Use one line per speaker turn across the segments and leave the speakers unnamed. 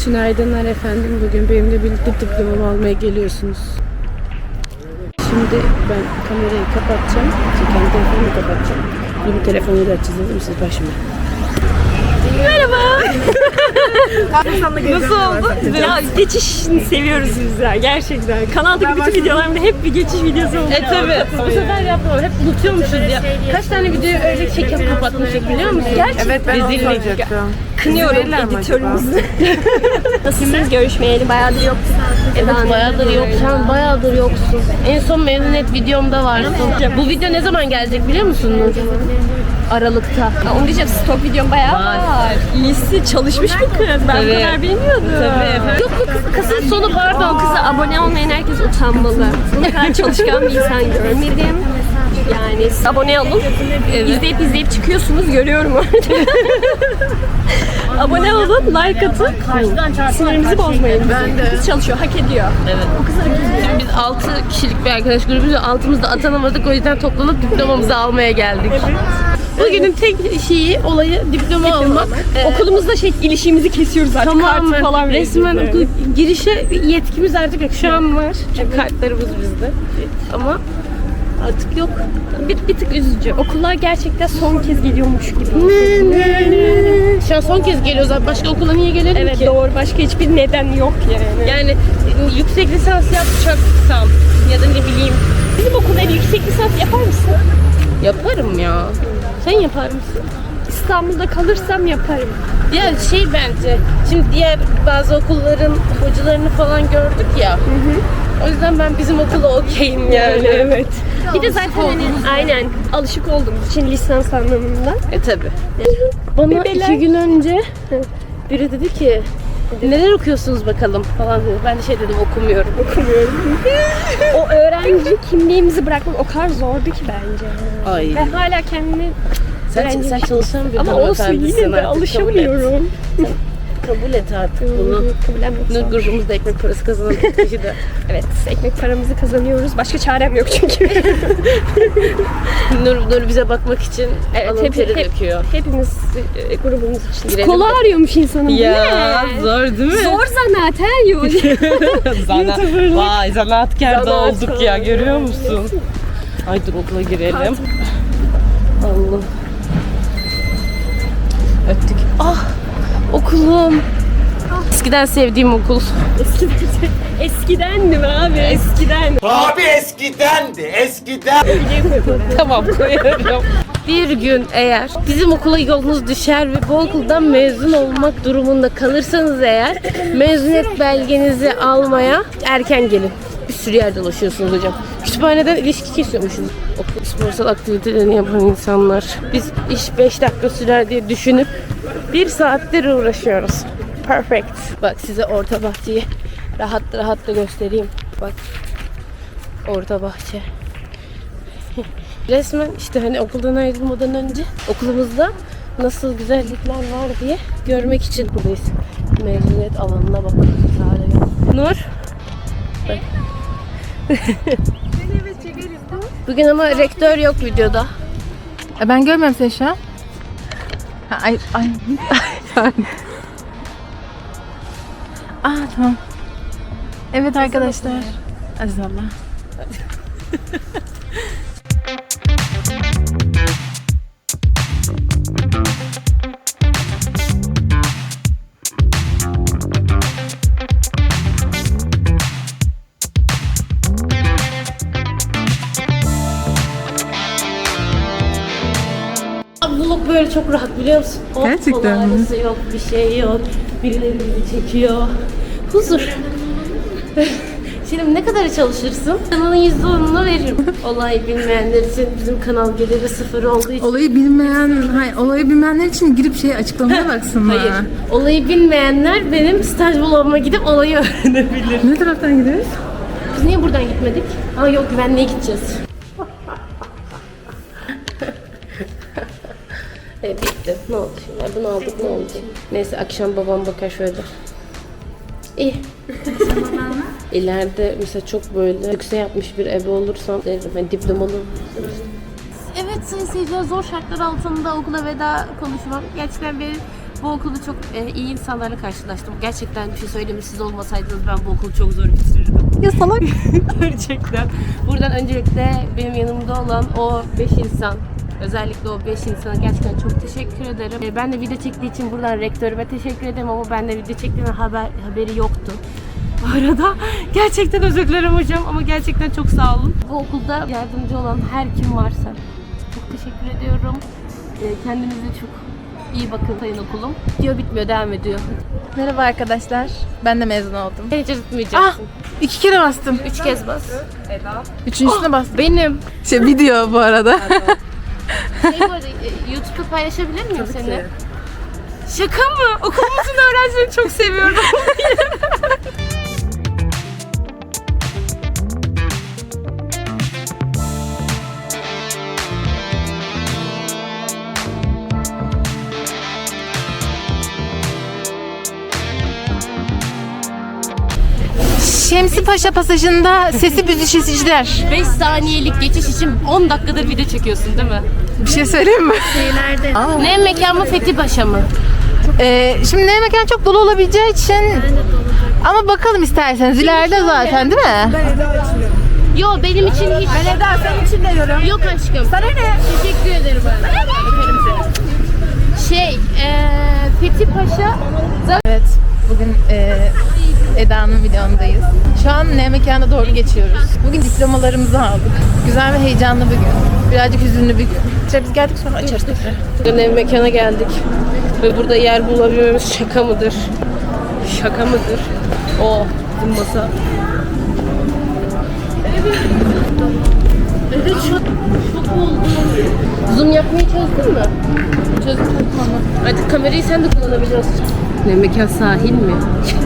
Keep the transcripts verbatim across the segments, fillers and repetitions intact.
Günaydınlar efendim. Bugün benimle birlikte diplomamı almaya geliyorsunuz. Şimdi ben kamerayı kapatacağım. Kendi telefonumu kapatacağım. Bunu telefonuyla açacağız, değil mi siz başıma?
Merhaba. Nasıl oldu? Ya geçişini seviyoruz biz ya gerçekten. Kanaldaki bütün videolarımda hep bir geçiş videosu oluyor.
E tabi. Bu sefer yapmam. Hep unutuyormuşuz ya. Kaç tane videoyu öyle çekip kapatmıştık biliyor musun?
Gerçekten.
Evet ben onu soracaktım.
Kınıyorum editörümüzü. Nasılsınız? Görüşmeyeli bayağıdır yoktuk.
Evet bayağıdır yok. Sen bayağıdır yoksun. En son mezuniyet videomda varsın. Bu video ne zaman gelecek biliyor musun Nur? Aralıkta.
Ya onu diyeceğim, stok videom bayağı var. var. İyisi çalışmış bir kız. Ben
Evet.
bu kadar bilmiyordum.
Tabii. Yok bu kız, kızın sonu
O
pardon.
kıza abone olmayan herkes utanmalı. Bu kadar çalışkan bir insan görmedim. Yani siz abone olun.
Evet.
İzleyip izleyip çıkıyorsunuz. Görüyorum orada. Abone olun, like atın. Sinirimizi bozmayın.
Ben de.
Kız çalışıyor, hak ediyor.
Evet.
Bu kızı hak ediyor.
Biz altı kişilik bir arkadaş grubuyuz. Altımızda atanamadık. O yüzden toplanıp diplomamızı almaya geldik. Bugünün tek şeyi, olayı diploma, almak.
Okulumuzda şey ilişiğimizi kesiyoruz artık.
Tamamen.
Kartı falan
Resmen
veriyoruz.
okul girişe yetkimiz artık yok. Şu an var. Çünkü kartlarımız bizde. Ama artık yok.
Bir, bir tık üzücü. Okullar gerçekten son kez geliyormuş gibi.
Şu an son kez geliyoruz abi. Başka okula niye gelelim
Evet
ki?
doğru. Başka hiçbir neden yok yani.
Yani yüksek lisans yapacaksam ya da ne bileyim
Bizim okulda yüksek lisans yapar mısın?
yaparım ya. Sen yapar mısın?
İstanbul'da kalırsam yaparım.
Ya şey bence, şimdi diğer bazı okulların hocalarını falan gördük ya. O yüzden ben bizim okula okeyim yani.
Evet. Bir de zaten hani aynen alışık olduğumuz için lisans anlamında.
E tabi. Bana
Bebeler.
iki gün önce biri dedi ki neler okuyorsunuz bakalım falan dedi. Ben de şey dedim okumuyorum.
Okumuyorum. O öğrenci kimliğimizi bırakmak o kadar zordu ki bence.
Ay.
Ve hala kendimi
Sen,
öğrenci-
sen çalışan bir
ama olsun
hanımefendisin
yine de
artık,
alışamıyorum.
Kabul et, kabul et artık bunu.
Kabullenmek
Nur
zor.
grubumuzda ekmek parası kazanan kişi de.
Evet, ekmek paramızı kazanıyoruz. Başka çarem yok çünkü.
Nur, Nur bize bakmak için
Evet,
alın
hep-
teri
hep-
döküyor.
Hepimiz e, grubumuz için.
Girelim
Kola
de.
arıyormuş insanın. bu
Ya
ne?
zor değil mi?
Zor zanaat her yol.
Zana, vay zanaatkar da
Zanaat
olduk ya
falan.
görüyor musun? Ay dur okula girelim. Allah. Öptük. Ah okulum. Eskiden sevdiğim okul.
Eskiden, eskidendi mi abi? Eskiden.
Abi eskidendi, eskiden.
Tamam koyarım. Bir gün eğer bizim okula yolunuz düşer ve bu okuldan mezun olmak durumunda kalırsanız eğer mezuniyet belgenizi almaya erken gelin. Bir sürü yer dolaşıyorsunuz hocam. Kütüphaneden ilişki kesiyormuşuz. Okul sporsal aktivitelerini yapan insanlar. Biz iş beş dakika sürer diye düşünüp bir saattir uğraşıyoruz. Perfect. Bak size orta bahçeyi rahat rahat da göstereyim. Bak. Orta bahçe. Resmen işte hani okuldan ayrılmadan önce okulumuzda nasıl güzellikler var diye görmek için buradayız. Mezuniyet alanına bak. Nur. Bak. Bugün ama rektör yok videoda.
E ben görmüyorum seni şu an. Ha, ay, ay. Aa tamam. Evet arkadaşlar. Aziz Allah.
Vlog böyle çok rahat biliyor musun? Hop,
Gerçekten mi?
kolaylısı yok, bir şey yok. Birileri bizi çekiyor. Huzur. Şimdi ne kadar çalışırsın? Kanalın yüzde onunu veririm. Olay bilmeyenler için bizim kanal geliri sıfır olduğu için.
Olayı bilmeyen, hayır, olayı bilmeyenler için girip şey açıklamaya baksınlar.
Hayır. Olayı bilmeyenler benim staj vloguma gidip olayı öğrenebilir.
Ne taraftan gidiyoruz?
Biz niye buradan gitmedik? Aa yok güvenliğe gideceğiz. Evet bitti. Ne oldu şimdi? Bunu aldık ne oldu? Neyse akşam babam bakar şöyle. İyi. İleride mesela çok böyle yüksek yapmış bir ebe olursam derim. Yani diplomalı.
Evet sayın seyirciler, zor şartlar altında okula veda konuşmam gerçekten beni
Bu okulda çok e, iyi insanlarla karşılaştım. Gerçekten bir şey söyleyeyim mi? Siz olmasaydınız ben bu okulu çok zor bitirirdim.
Ya salak.
Gerçekten. Buradan öncelikle benim yanımda olan o beş insan, özellikle o beş insana gerçekten çok teşekkür ederim. E, Ben de video çektiği için buradan rektörüme teşekkür ederim ama ben de video çektiğime haber, haberi yoktu. Bu arada gerçekten özür dilerim hocam ama gerçekten çok sağ olun. Bu okulda yardımcı olan her kim varsa çok teşekkür ediyorum. E, Kendinize çok iyi bakın sayın okulum. Diyor bitmiyor, devam ediyor.
Merhaba arkadaşlar. Ben de mezun oldum.
Hiç unutmayacaksın.
Ah! İki kere bastım.
Üç kez bas.
Üçüncüsüne bastım.
Benim.
Şey video bu arada.
Şey bu arada e, YouTube'da paylaşabilir miyim seni? Şaka mı? Okulumuzun öğrencilerini çok seviyorum.
Şemsi Paşa pasajında sesi büzüşeciler.
beş saniyelik geçiş için on dakikadır video çekiyorsun değil mi?
Bir şey söyleyeyim mi?
Ne mekan mı Fethi Paşa mı?
Ee, şimdi ne mekan çok dolu olabileceği için ama bakalım isterseniz ileride zaten değil mi?
Yo benim için hiç... Ben Eda senin için de yorum. Yok aşkım. Sana ne? Teşekkür ederim ben. Öperim seni. Şey, eee Fethi Paşa...
Evet, bugün e, Eda'nın videondayız. Şu an ne mekana doğru geçiyoruz. Bugün diplomalarımızı aldık. Güzel ve heyecanlı bir gün. Birazcık hüzünlü bir gün. İşte biz geldik sonra açarız tekrar.
Bugün ev mekana geldik. Ve burada yer bulabilmemiz şaka mıdır? Şaka mıdır? O bizim masa. Evet çok, çok oldu. Zoom yapmayı çözdün mü? Çözdüm. Tamam. Artık kamerayı sen de kullanabiliyorsun. Ne mekan sahil mi?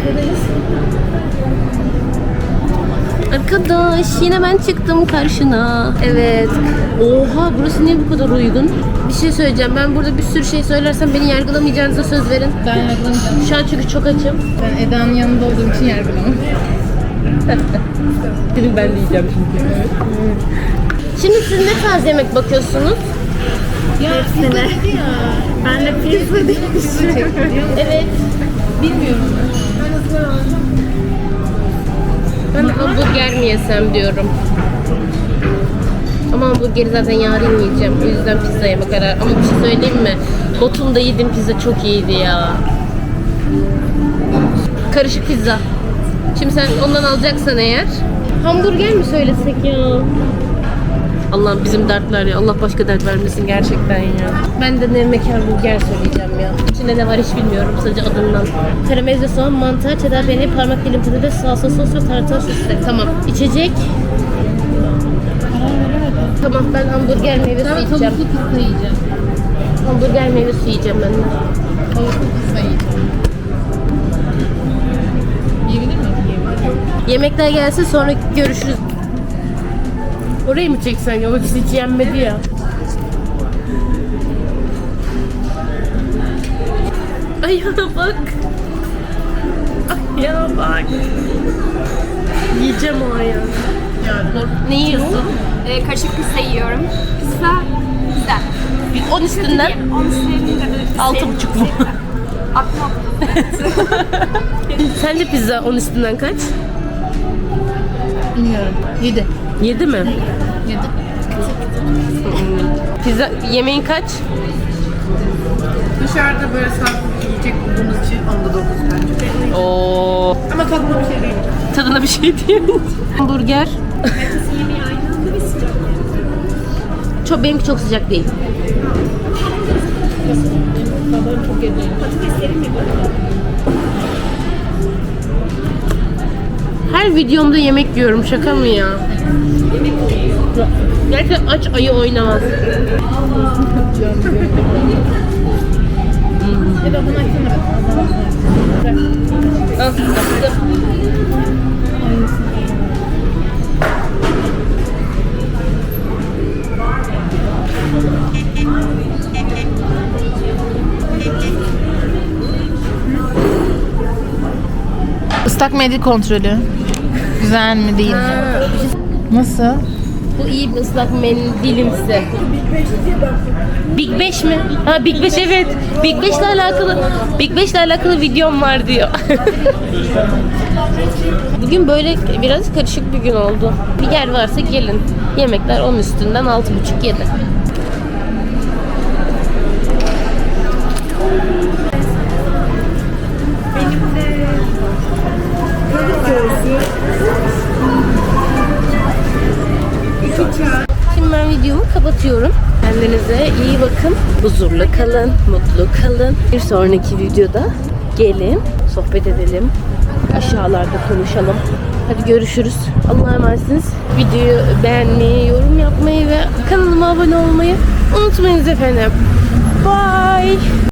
Arkadaş yine ben çıktım karşına. Evet. Oha burası niye bu kadar uygun? Bir şey söyleyeceğim. Ben burada bir sürü şey söylersem beni yargılamayacağınıza söz verin.
Ben yargılamayacağım.
Şu an çünkü çok açım.
Ben Eda'nın yanında olduğum için yargılamam.
Senin ben de yiyeceğim çünkü. Şimdi siz ne tarz yemek bakıyorsunuz?
Ya pizza dedi ya. Ben de pizza demişim.
Evet.
Bilmiyorum.
Ben hamburger mi yesem diyorum. Ama hamburgeri zaten yarın yiyeceğim. O yüzden pizza yeme kararı. Ama bir şey söyleyeyim mi? Botum'da yediğim pizza çok iyiydi ya. Karışık pizza. Şimdi sen ondan alacaksan eğer. Hamburger mi söylesek ya? Allah'ım bizim dertler ya. Allah başka dert vermesin gerçekten ya. Ben de ne mekan burger söyleyeceğim ya. İçinde ne var hiç bilmiyorum sadece adından. Karamelize soğan, mantar, cheddar peyniri, parmak dilim patates, salsa sos ve tartar sosu. Tamam. İçecek. Tamam ben hamburger meyve suyu içeceğim.
Tavuklu pizza yiyeceğim.
Hamburger meyve suyu yiyeceğim ben de.
Tavuklu pizza yiyeceğim. Yiyebilir miyim? Yiyebilirim.
Yemekler gelsin sonra görüşürüz. Orayı mı çeksen ya? O hiç yenmedi ya. Ayağına bak. Ayağına bak. Yiyeceğim o ayağı. Ne yiyorsun?
Ee, karışık pizza yiyorum. Pizza güzel.
On üstünden
Onu sevdiğim de
altı buçuk mu?
Aklıma
Sence pizza on üstünden kaç?
Bilmiyorum. Yedi.
Yedi mi?
Yedi.
Pizza yemeğin kaç?
Dışarıda böyle sağlıklı bir yiyecek bulduğumuz için onda dokuz bence.
Oo.
Ama tadına bir şey değil.
Tadına bir şey değil. Hamburger.
yemeği aynı anda bir sıcak.
Çok benimki çok sıcak değil. Her videomda yemek yiyorum şaka mı ya? Gerçekten aç ayı oynamaz.
Eda bunu açsana be.
Al, bastım.
Islak mendil kontrolü. Güzel mi değil mi? Nasıl?
Bu iyi bir ıslak mendilimsi. Big Beş mi? Ha Big Beş evet. Big Beş'le alakalı Big Beş'le alakalı videom var diyor. Bugün böyle biraz karışık bir gün oldu. Bir yer varsa gelin. Yemekler on üstünden altı buçuk yedi. Şimdi ben videomu kapatıyorum. Kendinize iyi bakın. Huzurlu kalın, mutlu kalın. Bir sonraki videoda gelin, sohbet edelim. Aşağılarda konuşalım. Hadi görüşürüz. Allah'a emanetsiniz. Videoyu beğenmeyi, yorum yapmayı ve kanalıma abone olmayı unutmayınız efendim. Bye.